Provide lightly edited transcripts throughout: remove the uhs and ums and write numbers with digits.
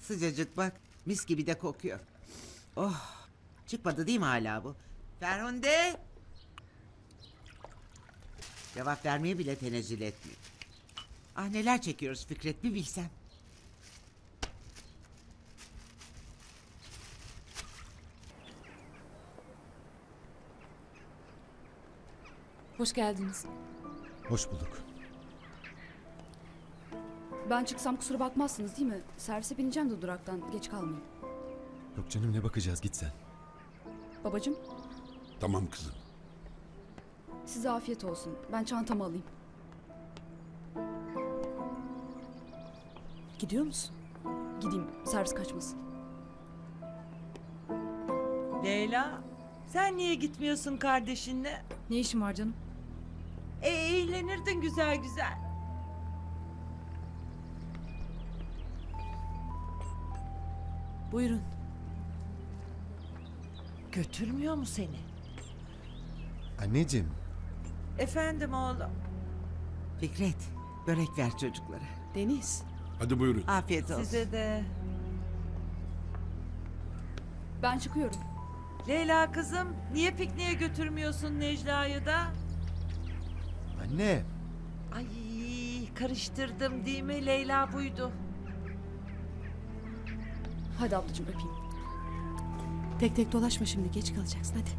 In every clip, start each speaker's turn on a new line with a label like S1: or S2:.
S1: Sıcacık bak. Mis gibi de kokuyor. Oh. Çıkmadı değil mi hala bu? Ferhunde. Cevap vermeye bile tenezzül etmiyor. Ah neler çekiyoruz Fikret bir bilsen.
S2: Hoş geldiniz.
S3: Hoş bulduk.
S4: Ben çıksam kusura bakmazsınız değil mi? Servise bineceğim de duraktan. Geç kalmayayım.
S3: Yok canım ne bakacağız git sen.
S4: Babacığım
S5: Tamam kızım.
S4: size afiyet olsun. Ben çantamı alayım.
S2: Gidiyor musun?
S4: Gideyim servis kaçmasın.
S6: Leyla, sen niye gitmiyorsun kardeşinle?
S2: Ne işin var canım?
S6: Eğlenirdin güzel güzel.
S2: Buyurun.
S6: Götürmüyor mu seni?
S3: Anneciğim
S6: Efendim oğlum.
S1: Fikret börek ver çocuklara.
S2: Deniz.
S5: Hadi buyurun.
S1: Afiyet olsun.
S6: Size de.
S4: Ben çıkıyorum.
S6: Leyla kızım, niye pikniğe götürmüyorsun Necla'yı da?
S3: anne.
S6: Ay, karıştırdım değil mi? Leyla buydu.
S4: Hadi ablacığım öpeyim.
S2: Tek tek dolaşma şimdi geç kalacaksın hadi.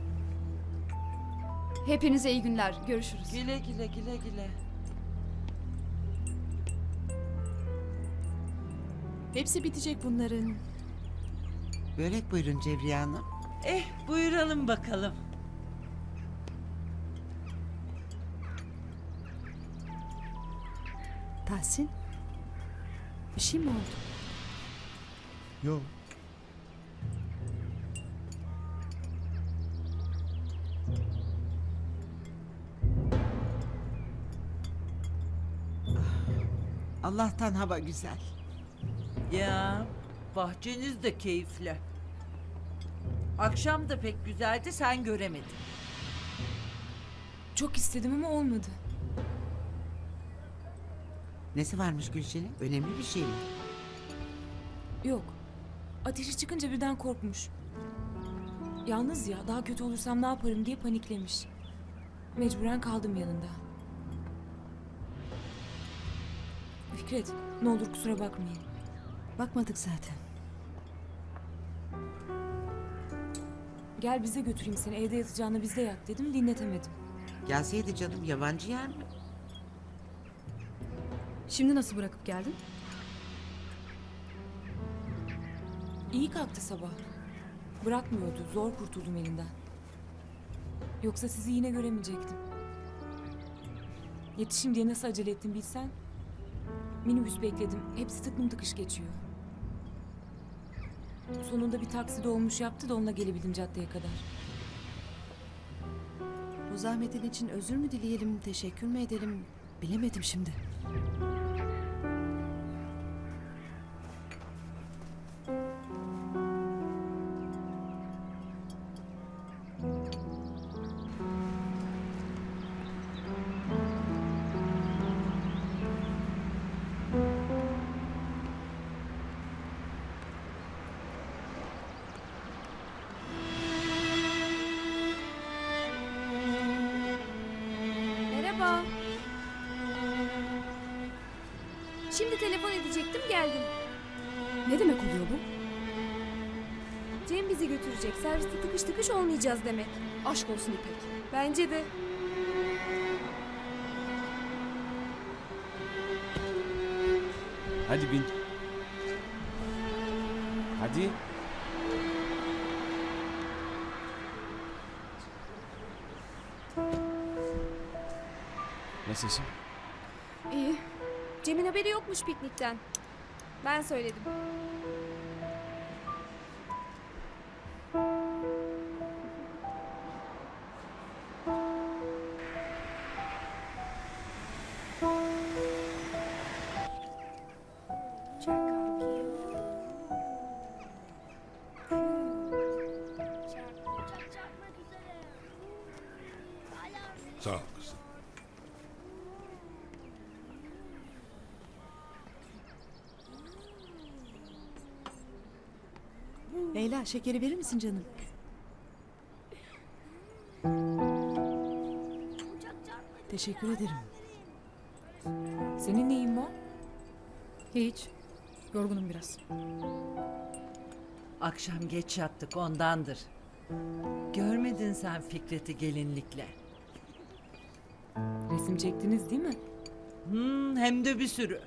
S4: Hepinize iyi günler. Görüşürüz.
S6: Güle güle güle güle.
S2: Hepsi bitecek bunların.
S1: Börek buyurun Cevriye Hanım.
S6: Buyuralım bakalım.
S2: Tahsin. Bir şey mi oldu?
S3: Yok.
S1: Allah'tan hava güzel.
S6: Ya, bahçeniz de keyifli. Akşam da pek güzeldi, sen göremedin.
S2: Çok istedim ama olmadı.
S1: Nesi varmış Gülşen'in? Önemli bir şey mi?
S7: Yok. Ateşi çıkınca birden korkmuş. Yalnız ya daha kötü olursam ne yaparım diye paniklemiş. Mecburen kaldım yanında. Fikret ne olur kusura bakmayın.
S2: Bakmadık zaten.
S7: Gel bize götüreyim seni evde yatacağını bizde yat dedim dinletemedim.
S1: Gelseydi canım yabancı yer mi?
S4: Şimdi nasıl bırakıp geldin?
S7: İyi kalktı sabah. Bırakmıyordu zor kurtuldum elinden. Yoksa sizi yine göremeyecektim. Yetişim diye nasıl acele ettim bilsen. Minibüs bekledim. Hepsi tıklım tıkış geçiyor. Sonunda bir taksi dolmuş yaptı da onunla gelebildim caddeye kadar.
S2: Bu zahmetin için özür mü dileyelim, teşekkür mü edelim bilemedim şimdi.
S8: Merhaba. Şimdi telefon edecektim geldim.
S4: Ne demek oluyor bu?
S8: Cem bizi götürecek. Serviste tıkış tıkış olmayacağız demek.
S4: Aşk olsun İpek.
S8: Bence de.
S9: Hadi bin. Hadi. Nasılsın?
S8: İyi. Cem'in haberi yokmuş piknikten. Ben söyledim.
S5: Sağ ol kızım.
S2: Leyla şekeri verir misin canım? Teşekkür ederim.
S7: Senin neyin var?
S4: Hiç. Yorgunum biraz.
S6: Akşam geç yattık ondandır. Görmedin sen Fikret'i gelinlikle.
S7: Resim çektiniz değil mi?
S6: Hem de bir sürü.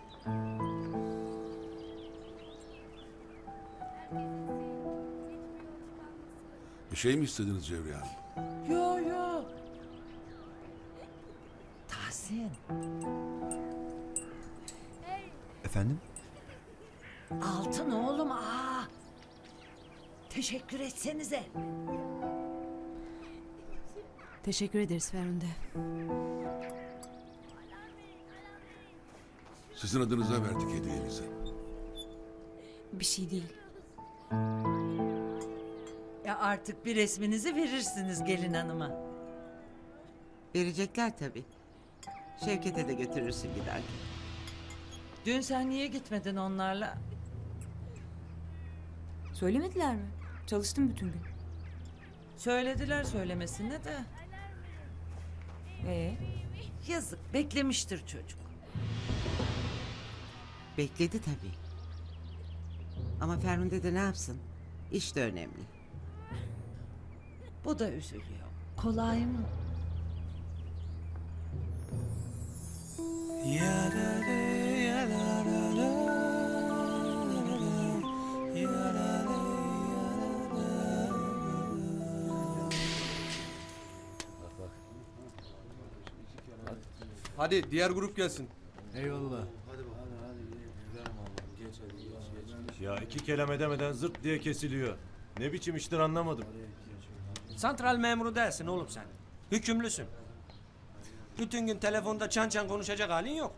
S5: Bir şey mi istediniz Cevriye Hanım?
S6: Yo yo. Tahsin,
S3: Efendim?
S6: altın oğlum teşekkür etsenize.
S2: Teşekkür ederiz Ferhunde.
S5: Sizin adınıza verdik hediyenizi.
S7: Bir şey değil.
S6: Ya artık bir resminizi verirsiniz gelin hanıma.
S1: Verecekler tabii. Şevket'e de götürürsün giderken.
S6: Dün sen niye gitmedin onlarla?
S7: Söylemediler mi? Çalıştım bütün gün.
S6: Söylediler söylemesine de. Yazık, beklemiştir çocuk.
S1: Bekledi tabii. Ama Ferhunde de ne yapsın? İş de önemli.
S6: Bu da üzülüyor. Kolay mı?
S9: Hadi diğer grup gelsin.
S10: Eyvallah. Ya iki kelam edemeden zırt diye kesiliyor. Ne biçim iştir anlamadım.
S9: Santral memuru değilsin oğlum sen. Hükümlüsün. Bütün gün telefonda çan çan konuşacak halin yok.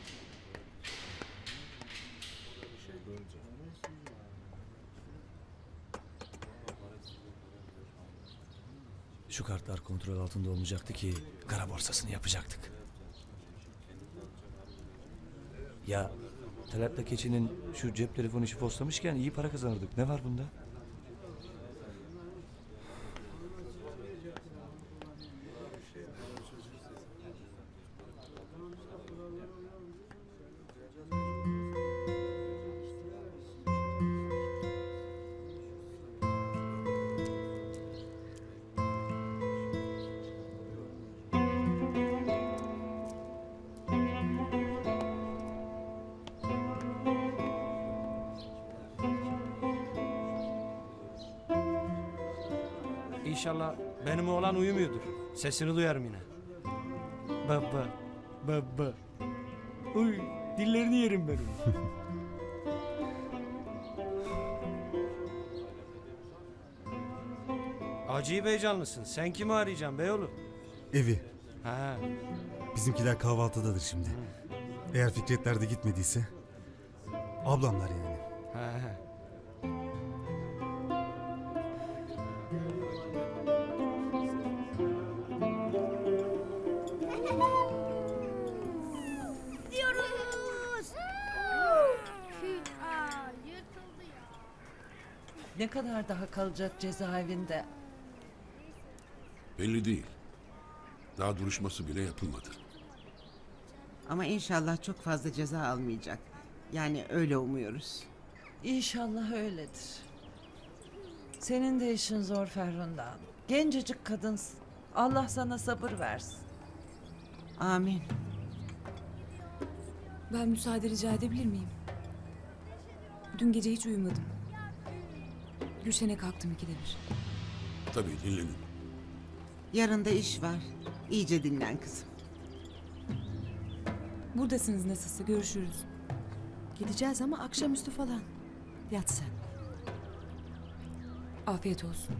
S10: Şu kartlar kontrol altında olmayacaktı ki kara borsasını yapacaktık. Ya Talat'la Keçi'nin şu cep telefonu işi postamışken iyi para kazanırdık. Ne var bunda?
S9: İnşallah benim oğlan uyumuyordur. Sesini duyarım yine. Baba, baba. Uy, dillerini yerim benim. Acayip heyecanlısın. Sen kimi arayacaksın beyoğlu?
S11: Evi.
S9: Ha,
S11: Bizimkiler kahvaltıdadır şimdi. Eğer Fikretler de gitmediyse. Ablamlar yani.
S9: ha.
S6: Ne kadar daha kalacak cezaevinde?
S5: Belli değil. Daha duruşması bile yapılmadı.
S1: Ama inşallah çok fazla ceza almayacak. Yani öyle umuyoruz.
S6: İnşallah öyledir. Senin de işin zor Ferhunde Hanım. Gencecik kadınsın. Allah sana sabır versin.
S1: Amin.
S7: Ben müsaade rica edebilir miyim? Dün gece hiç uyumadım. Gülşen'e kalktım ikide bir.
S5: Tabii dinlenin.
S1: Yarın da iş var. İyice dinlen kızım.
S7: Buradasınız nasılsa görüşürüz.
S2: Gideceğiz ama akşamüstü falan. Yat sen.
S7: Afiyet olsun.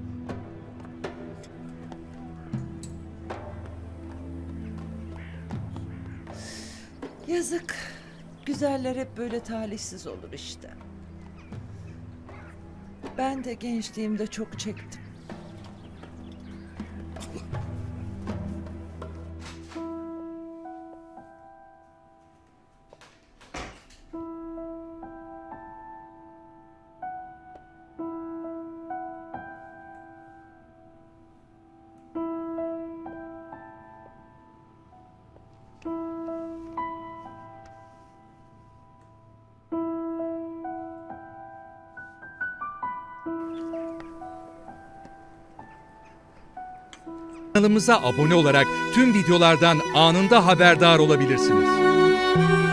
S6: Yazık. Güzeller hep böyle talihsiz olur işte. Ben de gençliğimde çok çektim.
S12: Kanalımıza abone olarak tüm videolardan anında haberdar olabilirsiniz.